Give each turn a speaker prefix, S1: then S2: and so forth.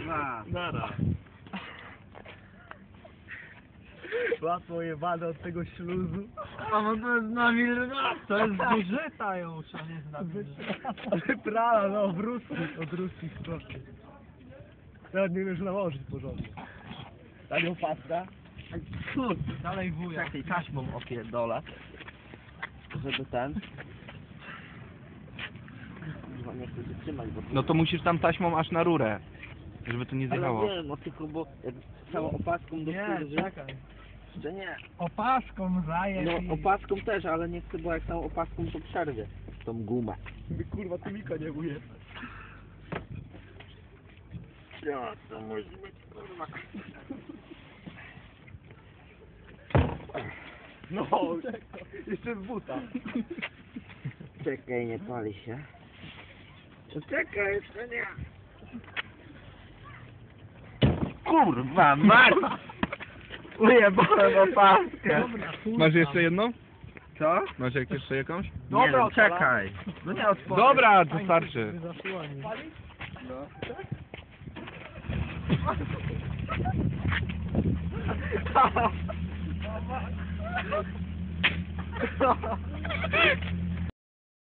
S1: kurwa.
S2: Nara.
S3: Łatwo jebane od tego śluzu.
S2: A bo to jest na wilna. To jest zużyta już, a nie jest na
S3: Wyprala, no, od ruskich strony. Nawet nie wiesz nałożyć porządnie. Tanią pasta.
S2: Kurde, dalej wuja.
S1: Czekaj, taśmą opierdolę. Żeby ten... Kurwa, nie chcę się trzymać, bo...
S4: No to musisz tam taśmą aż na rurę, żeby to nie zjechało.
S1: Ale wiem, no tylko bo jak całą opaską do
S2: Nie,
S1: kurwy...
S2: czekaj.
S1: Jeszcze nie.
S2: Opaską zaję.
S1: No opaską też, ale nie chcę, bo jak całą opaską to przerwie tą gumę.
S3: Kurwa, tu Mika nie uje.
S1: Ja, to musi być kurwa.
S3: No, jeszcze z buta.
S1: Czekaj, nie pali się. Czekaj, jeszcze nie. Kurwa, mać! Ujebałem opaskę.
S4: Masz jeszcze jedną?
S1: Co?
S4: Masz jeszcze jakąś?
S1: Nie
S3: Dobra,
S1: no, czekaj. No nie otworzę.
S4: Dobra, to starczy.
S3: No.